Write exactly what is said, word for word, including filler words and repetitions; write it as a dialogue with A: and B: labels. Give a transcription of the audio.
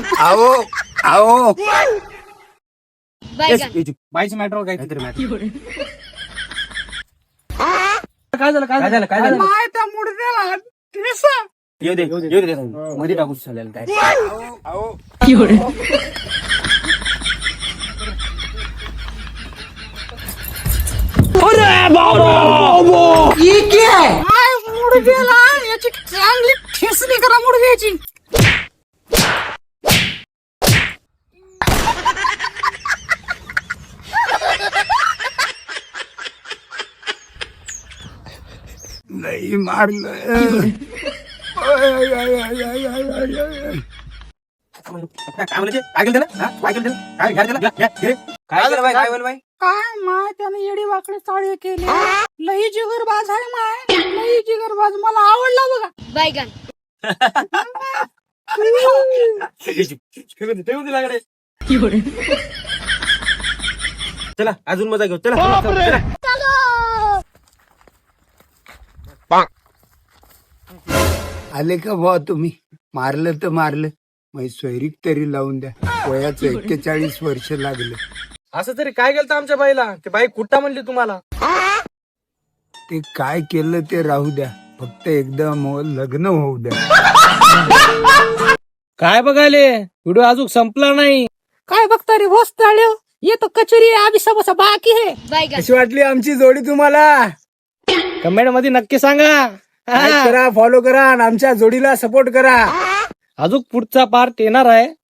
A: आओ आओ
B: बैगन
A: बाईची मॅटर काहीतरी मॅटर
C: काय झालं काय झालं काय झालं
A: माय त्या मुडद्याला ठेसा.
C: येऊ दे येऊ दे मध्ये टाकून चालेल काय
A: आओ माय मुडद्याला याची चांगली ठेसणी करा मुडद्याची. नाही मारलं. आय, आय, आय, आय, आय, आय, आय, आय.
C: काय म्हणते काय केलं त्याला काय केलं त्याला काय घ्या त्याला घ्या घे काय केलं बाई काय बोल बाई
A: काय माय त्याने येडी वाकडे चाळे केले. लई जिगरबाज आहे माय, लई जिगरबाज. मला आवडला बघा.
B: बैगन
C: चला अजून मजा घेऊ चला चला
A: आले का भाऊ तुम्ही? मारलं तर मारलं, मग सोयरीक तरी लावून द्या. वयाचं एक्केचाळीस वर्ष लागले.
C: असं तरी काय केलं आमच्या बाईला ते बाई कुठं म्हणली तुम्हाला
A: ते काय केलं ते राहू द्या, फक्त एकदा मग लग्न होऊ द्या.
C: काय बघायले व्हिडिओ अजून संपला नाही
A: काय बघता रे होस चाळ्यो, येतो कचोरी अभी सबसा बाकी है.
B: बैगन
C: कशी वाटली आमची जोडी तुम्हाला कमेंट मध्ये नक्की सांगा. करा फॉलो करा आणि आमच्या जोडीला सपोर्ट करा. अजून पुढचा पार्ट येणार आहे